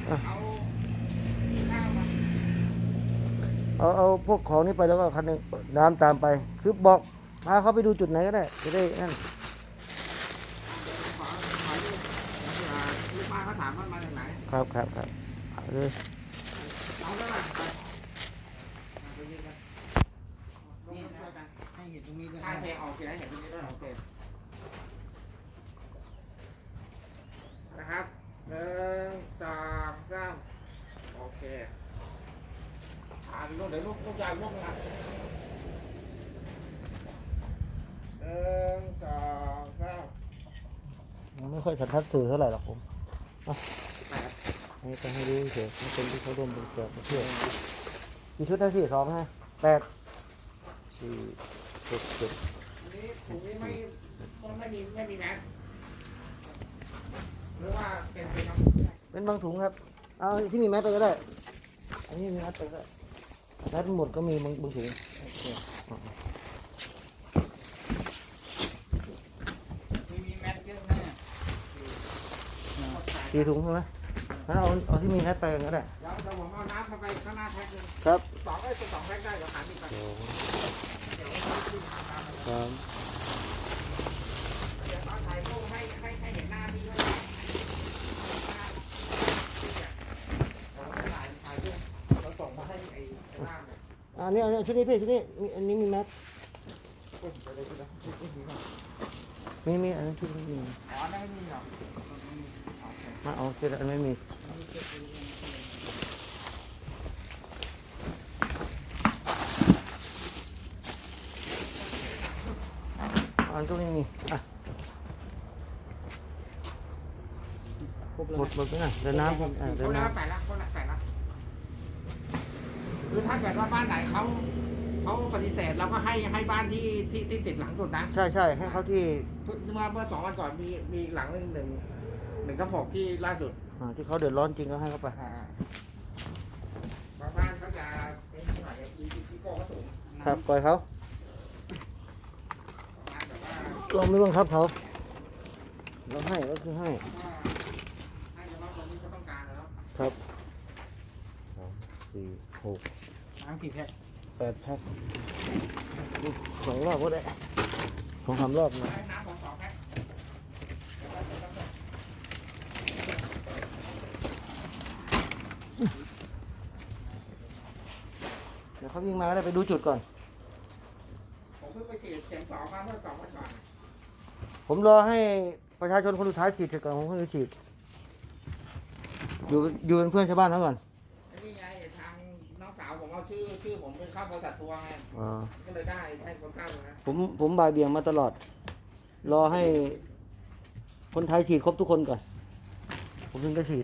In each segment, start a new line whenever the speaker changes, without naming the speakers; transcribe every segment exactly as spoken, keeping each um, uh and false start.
เอาเอาพวกของนี้ไปแล้วก็คันนึงน้ำตามไปคือบอกพาเขาไปดูจุดไหนก็ได้จะได้นั่น
ลูกมาเขาถามว่ามาจากไหน
ครับครับครับเลย
เอาแล้วล่ะนี่นะให้เห็นตรงนี้ด้วยให้เพลงออกเสียงให้เห็นตรงนี้ด้วยโอเคนะครับหนึ่งสองสามโอเคอ่าลูกเดี๋ยวลูกลูกยาวลูกนะหนึ่งสองสาม
ไม่ค่อยสันทัดสื่อเท่าไหร่หรอกผมนี่จะให้ดูเฉยๆเป็นที่เขาร่วมบริจาคมาเพื่อกี่ชุดนะสี่สองฮะแปดสี่หกเจ็ด
นี่ถุงนี้ไม่ไม่มีไม่มีแมสหรือว่าเป็นเป็น
เป็นบางถุงครับเอาที่มีแมสไปก็ได้อันนี้มีแมสไปก็ได้แมสหมดก็มีบางบางถุง
มีแมสเยอะแน่
สี่ถุงใช่ไหมเอาเอาที่มีแมสไปก็ได้
เดี๋ยวเดี๋ยวผมเอาน้ำเข้าไปข้างหน้าแพ็คนึง
ครับ
สองไอ้สองแพ็คได้เดี๋ยวหาที่ไปเดี๋ยวที่ทำ
ครับ
เดี๋ยวตอนถ่ายรูปให้ให้ให้เห็นหน้าพี่ด้วยถ่ายรูปเราส่งมาให้ไอ้ล่ามเนี่ย
อันนี้อันนี้ชุดนี้พี่ชุดนี้อันนี้มีแมสมีมีอันนี้ชุดนี้มี
อ๋อไม่มีหรอ
มาเอาชุดอันไม่มีอันตัวนี้มีอ่ะหมดหมดไปนะเดินน้ำครับเดิน
น้ำ
น้ำ
ใส่ละคนละใส่ละคือถ้าเกิดว่าบ้านไหนเขาเขาปฏิเสธเราก็ให้ให้บ้านที่ที่ที่ติดหลังสุดนะ
ใช่ใช่ให้เขาที่
เมื่อเมื่อสองวันก่อนมีมีหลังหนึ่งหนึ่งหนึ่งกระบอกที่ล่าสุด
ที่เขาเดือดร้อนจริงก็ให้เขาไป
บางบ้านเขาจะเป็นที่ไหนอีอีโก้ก็สูง
ครับปล่อยเขาเราไม่บังคับเขาเราให้ก็คือให้
ให้เฉพาะคนที่เขาต้องการแล้ว
ครับสองสี่หก
น้ำกี่แพ็ค
แปดแพ็คสองรอบก็ได้สองสามรอบนะ
น้ำของสองแพ็ค
เดี๋ยวเขาวิ่งมาก็ได้ไปดูจุดก่อน
ผมเพิ่งไปฉีดเข็มสองมาเมื่อสองวันก่อน
ผมรอให้ประชาชนคนสุดท้ายฉีดเสร็จก่อนผมเพิ่งจะฉีดอยู่อยู่เป็นเพื่อนชาวบ้านเขาก่อน
นี่ไงทางน้องสาวผมเอาชื่อชื่อผมไปเข้าบริษัททัวร์ไงก็เลยได้ให้คนเข้าเลยนะ
ผมผมบ่ายเบี่ยงมาตลอดรอให้คนไทยฉีดครบทุกคนก่อนผมถึงจะฉีด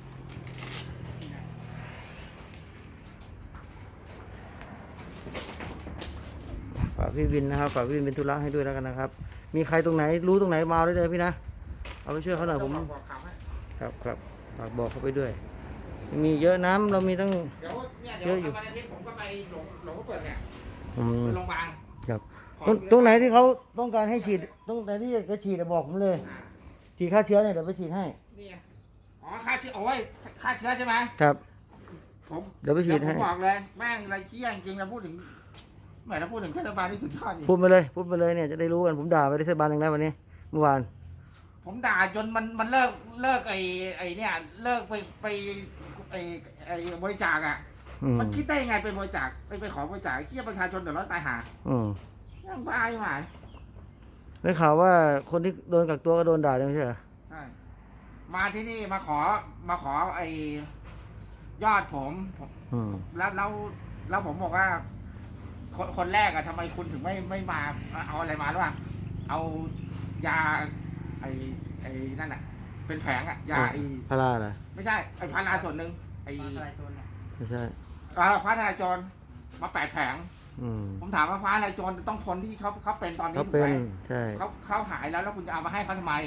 ฝากพี่วินนะครับฝากพี่วินเป็นธุระให้ด้วยแล้วกันนะครับมีใครตรงไหนรู้ตรงไหนมาได้เลยพี่นะเอาไปช่วยเขาหน่อยผมครับครับฝากบอกเขาไปด้วยมีเยอะน้ำเรามีตั้ง
เยอะอยู่วันอาทิตย์ผมก็ไปหลงหลงเปิดเนี่ยไปโรงพยาบาล
ครับตรงไหนที่เขาต้องการให้ฉีดตรงไหนที่จะฉีดบอกผมเลยฉีดฆ่าเชื้อเนี่ยเดี๋ยวไปฉีดให้
นี่อ๋อฆ่าเชื้อโอ้ยฆ่าเชื้อใช่ไหม
ครับ
ผม
เดี๋ยวไปฉีดให้
ผมบอกเลยแม่งอะไรเชี่ยจริงๆเราพูดถึงแม่เราพูดถึงเทศบาลที่สุดยอดจริง
พูดไปเลยพูดไปเลยเนี่ยจะได้รู้กันผมด่าไปเทศบาลอย่างไรวันนี้เมื่อวาน
ผมด่าจนมันมันเลิกเลิกไอ้ไอ้เนี่ยเลิกไปไปไอ้ไอ้บริจาคอ่ะมันคิดได้ยังไงไปบริจาคไปไปขอบริจาคเชี่ยประชาชนเดือดร้อนตายหายังบ้าอยู่ไหม
ได้ข่าวว่าคนที่โดนกักตัวก็โดนด่าใช่ไหม
ใช่มาที่นี่มาขอมาขอไอ้ยอดผมแล้วแล้วแล้วผมบอกว่าคนคนแรกอะทำไมคุณถึงไม่ไม่มาเอาอะไรมาหรือเปล่าเอายาไอ้ไอ้นั่นอะเป็นแผงอะยาไอ้
พาราเหรอ
ไม่ใช่ไอ้พาราส่วนหนึ่งไอ้
ไม่ใช่
ฟ้าทลายโจรมาแปดแผงผมถามว่าฟ้าทลายโจรต้องคนที่เขาเขาเป็นตอนนี้ถูกไหม
ใช่
เขาเขาหายแล้วแล้วคุณจะเอามาให้เขาทำไม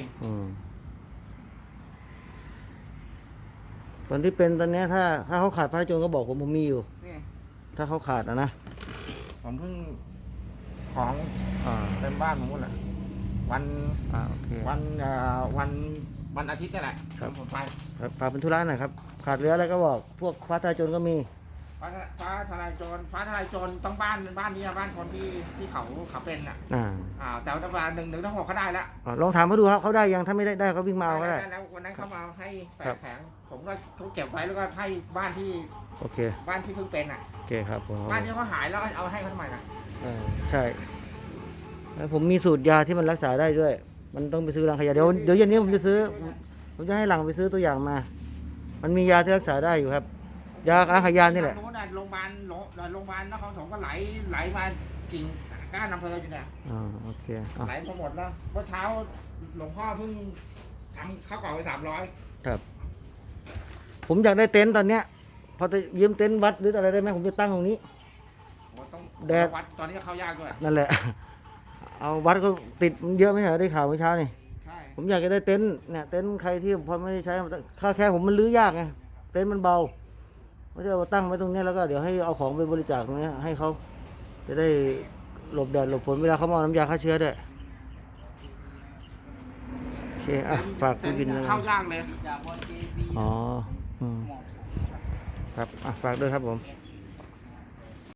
คนที่เป็นตอนนี้ถ้าถ้าเขาขาดพระโจรก็บอกผมผมมีอยู่ถ้าเขาขาดนะนะ
ผมเพิ่งของเต็มบ้านผมหมดแหละวันวันวันวันอาทิตย์นี่แหละผมไป
พาเป็นธุระหน่อยครับขาดเหลืออะไรก็บอก พวกฟ้าทลายโจรก็มี
ฟ้าฟ้าทลายโจรฟ้าทลายโจรต้องบ้านบ้านนี้อะบ้านคนที่ที่เขาเขาเป็นอ่ะ
อ่า
อ่าแต่ว่าหนึ่งหนึ่งต้องหกเขาได้แล้ว
อ่าลองถามเขาดูครับเขาได้ยังถ้าไม่ได้ได้เขาวิ่งมาเอาก็ได้
แล้ววันนั้นเขามาให้แป
ครั
ด
บ
แผงผมก็เขาเก็บไว้แล้วก็ให้บ้านที่
โอเค
บ้านที่เพิ่งเป็นอ่ะ
โอเคครับผม
บ้านที่เขาหายแล้วเอาให้เขาทำไมล่ะ
เออใช่แล้วผมมีสูตรยาที่มันรักษาได้ด้วย มันต้องไปซื้อรังขยะเดี๋ยวเดี๋ยวเย็นนี้ผมจะซื้อ ผมจะให้หลังไปซื้อตัวอย่างมา มันมียาที่รักษาได้อยู่ครับ ยาอาขยานนี่แหละ
โน้นน่ะโรงพยาบาลโรงโรงพยาบาลนครปฐมก็ไหลไหลมากิ่งก้านอำเภออยู่เนี่ย
อ่าโอเคอ่ะ
ไหลพอหมดแล้วเมื่อเช้าหลวงพ่อเพิ่งทำข้าวกล่องไปสามร้อย
ครับ ผมอยากได้เต็นท์ตอนเนี้ย พอจะยืมเต็นท์วัดหรืออะไรได้ไหมผมจะตั้งตรงนี้
ต้อง
แดด
วัดตอนนี้ก็เข้ายากด้วย
นั่นแหละ เอาวัดก็ติดมันเยอะไหมเหรอได้ข่าวเมื่อเช้านี่
ใช่
ผมอยากจะได้เต็นท์เนี่ยเต็นท์ใครที่พอไม่ได้ใช้ค่าแค่ผมมันรื้อยากไงเต็นท์มันเบาไม่ใช่ว่าตั้งไว้ตรงเนี้ยแล้วก็เดี๋ยวให้เอาของไปบริจาคตรงเนี้ยให้เขาจะได้หลบแดดหลบฝนเวลาเขามาเอาน้ำยาฆ่าเชื้อด้วยโอเคอ่ะฝากพี่บินนะ
เข้ายากเลย
อ๋ออืมครับอ่ะฝากด้วยครับผม
ค